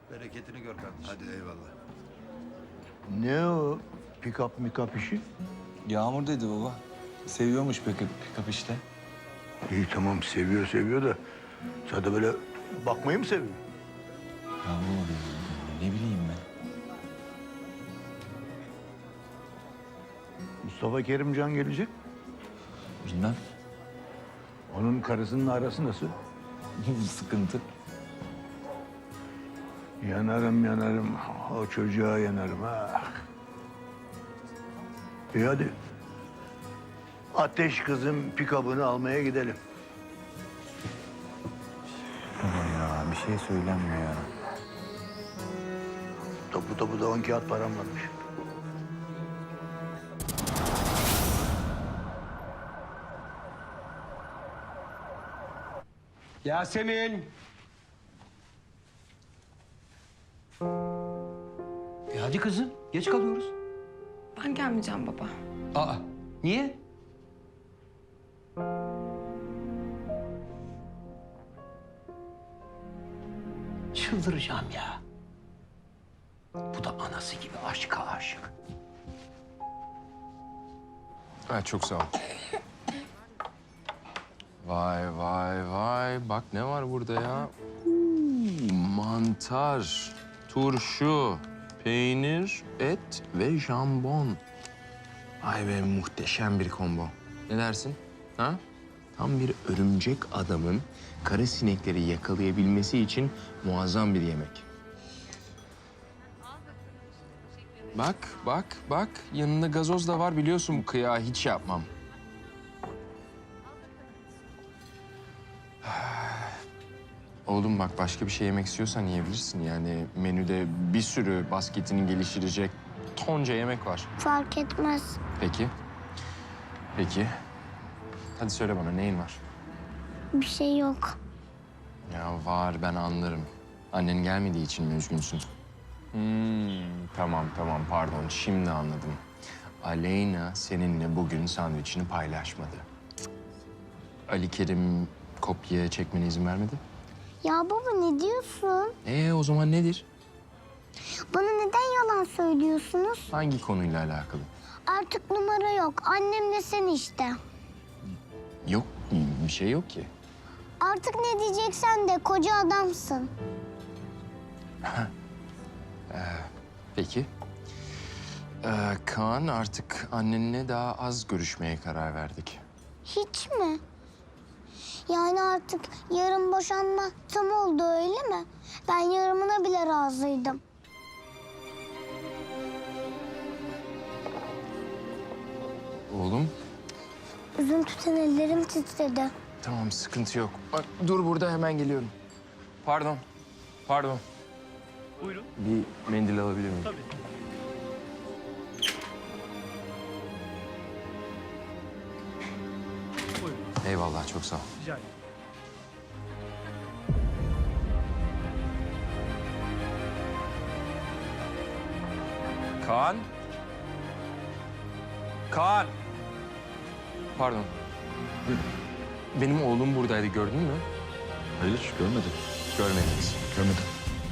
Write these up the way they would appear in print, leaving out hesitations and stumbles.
Bereketini gör kardeşim. Hadi eyvallah. Ne o pick-up mikap işi? Yağmur dedi baba. Seviyormuş pick-up işte. İyi tamam seviyor da sadece böyle bakmayı mı seviyor? Ya baba ne bileyim ben. Mustafa Kerimcan gelecek. Bilmem. Onun karısının arası nasıl? Sıkıntı. Yanarım. O çocuğa yanarım ha. İyi hadi. Ateş kızım pick-up'ını almaya gidelim. Baba ya bir şey söylenmiyor ya. Topu da 10 kağıt param varmış. Yasemin. Hadi kızım, geç kalıyoruz. Ben gelmeyeceğim baba. Aa, niye? Çıldıracağım ya. Bu da anası gibi aşka aşık. Ha, çok sağ ol. Vay. Bak ne var burada ya? Mantar, turşu, peynir, et ve jambon. Ay be muhteşem bir combo. Ne dersin? Ha? Tam bir örümcek adamın kara sinekleri yakalayabilmesi için muazzam bir yemek. Bak. Yanında gazoz da var biliyorsun bu kıyağı hiç yapmam. Oğlum bak başka bir şey yemek istiyorsan yiyebilirsin. Yani menüde bir sürü basketini geliştirecek tonca yemek var. Fark etmez. Peki. Hadi söyle bana neyin var? Bir şey yok. Ya var ben anlarım. Annen gelmediği için mi üzgünsün? Tamam pardon şimdi anladım. Aleyna seninle bugün sandviçini paylaşmadı. Ali Kerim kopya çekmene izin vermedi. Ya baba ne diyorsun? O zaman nedir? Bana neden yalan söylüyorsunuz? Hangi konuyla alakalı? Artık numara yok. Annemle sen işte. Yok bir şey yok ki. Artık ne diyeceksen de koca adamsın. Peki. Kaan artık annenle daha az görüşmeye karar verdik. Hiç mi? Yani artık yarın boşanma tam oldu öyle mi? Ben yarımına bile razıydım. Oğlum Üzüntüden ellerim titredi. tamam sıkıntı yok. Bak dur burada hemen geliyorum. Pardon. Buyurun. Bir mendil alabilir miyim? Tabii. Buyurun. Eyvallah çok sağ ol. Rica ederim. Kaan. Pardon. Benim oğlum buradaydı gördün mü? Hayır görmedim. Görmediniz. Görmedim.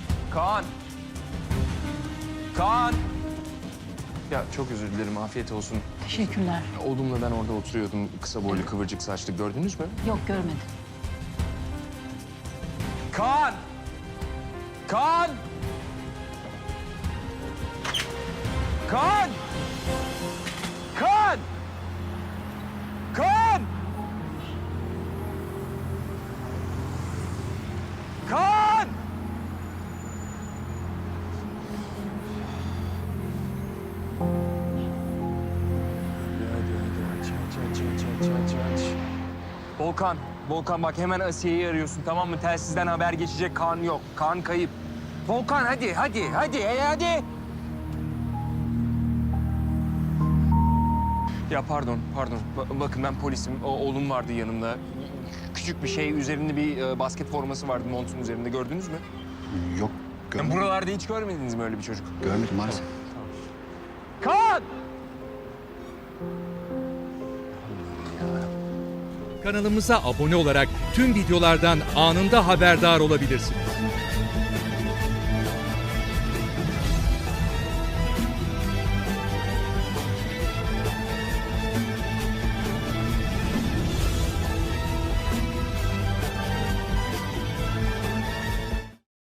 Kaan. Ya çok özür dilerim afiyet olsun. Teşekkürler. Oğlumla ben orada oturuyordum. Kısa boylu kıvırcık saçlı gördünüz mü? Yok görmedim. Kaan! Kaan! Kaan! Kaan! Kaan! Kaan! Hadi. Volkan bak hemen Asiye'yi arıyorsun tamam mı? Telsizden haber geçecek Kaan yok. Kaan kayıp. Volkan hadi. Ya pardon. Bakın ben polisim. Oğlum vardı yanımda. Küçük bir şey, üzerinde bir basket forması vardı montun üzerinde. Gördünüz mü? Yok görmedim. Buralarda hiç görmediniz mi öyle bir çocuk? Görmedim maalesef. Kaan! Kanalımıza abone olarak tüm videolardan anında haberdar olabilirsiniz.